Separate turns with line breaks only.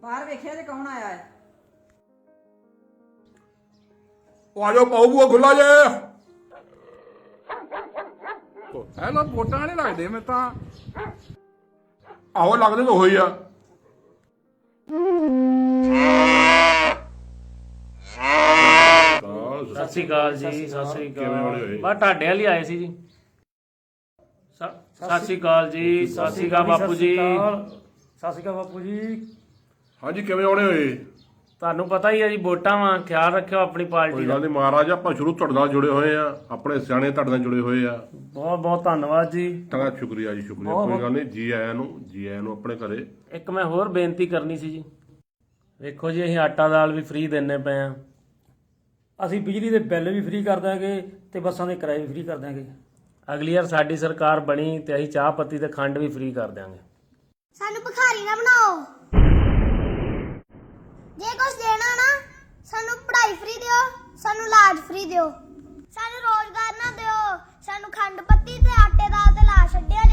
ਬਾਹਰ ਵੇਖਿਆ ਤੇ ਕੌਣ ਆਇਆ ਹੈ?
ਉਹ ਆ ਜਾਓ ਪਾਉ ਬੂਆ ਖੁੱਲਾ ਜੇ ਇਹ ਲੋ ਵੋਟਾਂ ਵਾਲੇ ਲੱਗਦੇ ਮੈਂ ਤਾਂ ਆਹੋ ਲੱਗਦੇ ਤਾਂ ਹੋਈ ਆ
ਸਤਿ ਸ਼੍ਰੀ ਅਕਾਲ ਜੀ। ਸਤਿ ਸ਼੍ਰੀ
ਕਿਵੇਂ ਵਾਲੇ ਹੋਏ?
ਅਕਾਲ। ਬਸ ਤੁਹਾਡੇ ਵਾਲੀ ਆਏ ਸੀ ਜੀ। ਸਤਿ ਸ਼੍ਰੀ ਅਕਾਲ ਜੀ। ਸਤਿ ਸ਼੍ਰੀ ਅਕਾਲ ਬਾਪੂ ਜੀ।
ਸਤਿ ਸ਼੍ਰੀ ਅਕਾਲ ਬਾਪੂ ਜੀ।
ਹਾਂਜੀ ਕਿਵੇਂ ਆਉਣੇ ਹੋਏ?
ਤੁਹਾਨੂੰ ਪਤਾ ਹੀ ਹੈ ਜੀ ਵੋਟਾਂ ਵਾ, ਖਿਆਲ ਰੱਖਿਓ ਆਪਣੀ ਪਾਰਟੀ
ਕੋਈ
ਦਾ।
ਗੱਲ ਨਹੀਂ ਮਹਾਰਾਜ ਆਪਾਂ ਸ਼ੁਰੂ ਤੁਹਾਡੇ ਨਾਲ ਜੁੜੇ ਹੋਏ ਆ ਆਪਣੇ ਸਿਆਣੇ ਤੁਹਾਡੇ ਨਾਲ ਜੁੜੇ ਹੋਏ ਆ
ਬਹੁਤ ਬਹੁਤ ਧੰਨਵਾਦ ਜੀ।
ਤਾਂ ਸ਼ੁਕਰੀਆ ਜੀ ਸ਼ੁਕਰੀਆ ਕੋਈ ਗੱਲ ਨਹੀਂ ਜੀ ਆਇਆਂ ਨੂੰ ਆਪਣੇ ਘਰੇ।
ਇੱਕ ਮੈਂ ਹੋਰ ਬੇਨਤੀ ਕਰਨੀ ਸੀ ਜੀ। ਵੇਖੋ ਜੀ ਅਸੀਂ ਆਟਾ ਦਾਲ ਵੀ ਫ੍ਰੀ ਦਿੰਨੇ ਪਏ ਆ।
ਅਸੀਂ ਬਿਜਲੀ ਦੇ ਬਿੱਲ ਵੀ ਫ੍ਰੀ ਕਰ ਦਾਂਗੇ ਤੇ ਬੱਸਾਂ ਦੇ ਕਿਰਾਏ ਵੀ ਫ੍ਰੀ ਕਰ ਦਾਂਗੇ।
ਅਗਲੀ ਵਾਰ ਸਾਡੀ ਸਰਕਾਰ ਬਣੀ ਤੇ ਅਸੀਂ ਚਾਹ ਪੱਤੀ ਤੇ ਖੰਡ ਵੀ ਫ੍ਰੀ ਕਰ ਦਿਆਂਗੇ।
ਸਾਨੂੰ ਭਿਖਾਰੀ ਨਾ ਬਣਾਓ। ਜੇ ਕੁਝ ਦੇਣਾ ਨਾ ਸਾਨੂੰ ਪੜ੍ਹਾਈ ਫ੍ਰੀ ਦਿਓ, ਸਾਨੂੰ ਇਲਾਜ ਫ੍ਰੀ ਦਿਓ, ਸਾਨੂੰ ਰੋਜ਼ਗਾਰ ਨਾ ਦਿਓ, ਸਾਨੂੰ ਖੰਡ ਪੱਤੀ ਤੇ ਆਟੇ ਦਾਲ ਤੇ ਲਾ ਛੱਡਿਆ